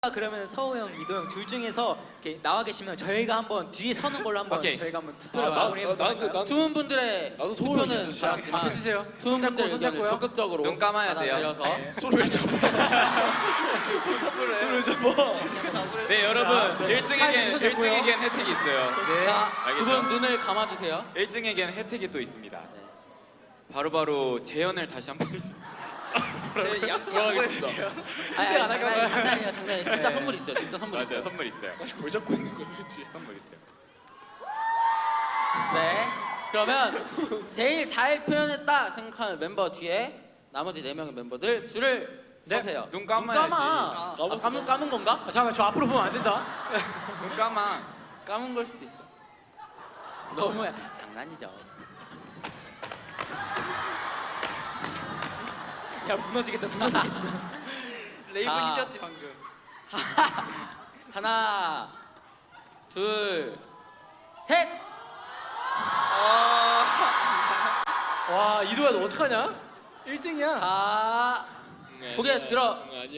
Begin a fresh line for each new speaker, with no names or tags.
그러면 서우 형, 이도 형 둘 중에서 이렇게 나와 계시면 저희가 한번 뒤에 서는 걸로 한번
오케이.
저희가 한번 투표를 마무리해볼까요?
두 분들의
나도
투표는
소울이지.
받았지만
쓰세요.
두 분들의 의견을 적극적으로
눈 감아야 돼요.
받아들여서
손을 왜 잡아? 손을 잡아. 네 여러분 1등에겐 혜택이 있어요.
자,
알겠죠?
두 분 눈을 감아주세요.
1등에겐 혜택이 또 있습니다. 바로바로 재현을 다시 한번 돌아가겠습니다.
장난이에요. 진짜
네.
선물 있어요. 진짜 선물
맞아요,
있어요.
선물 있어요.
뭘 잡고 있는 거지, 그렇지?
선물 있어요.
네. 그러면 제일 잘 표현했다 생각하는 멤버 뒤에 나머지 4명의 멤버들 줄을 서세요.
눈 감아야지.
감아. 감은 건가?
잠깐만 저 앞으로 보면 안 된다.
눈 감아.
감은 걸 수도 있어. 너무야. 장난이죠.
야 무너지겠다 무너지겠어.
레이븐이
쪘지 방금.
하나, 둘, 셋.
와 이도야 너 어떡하냐? 1등이야.
자, 고개 들어.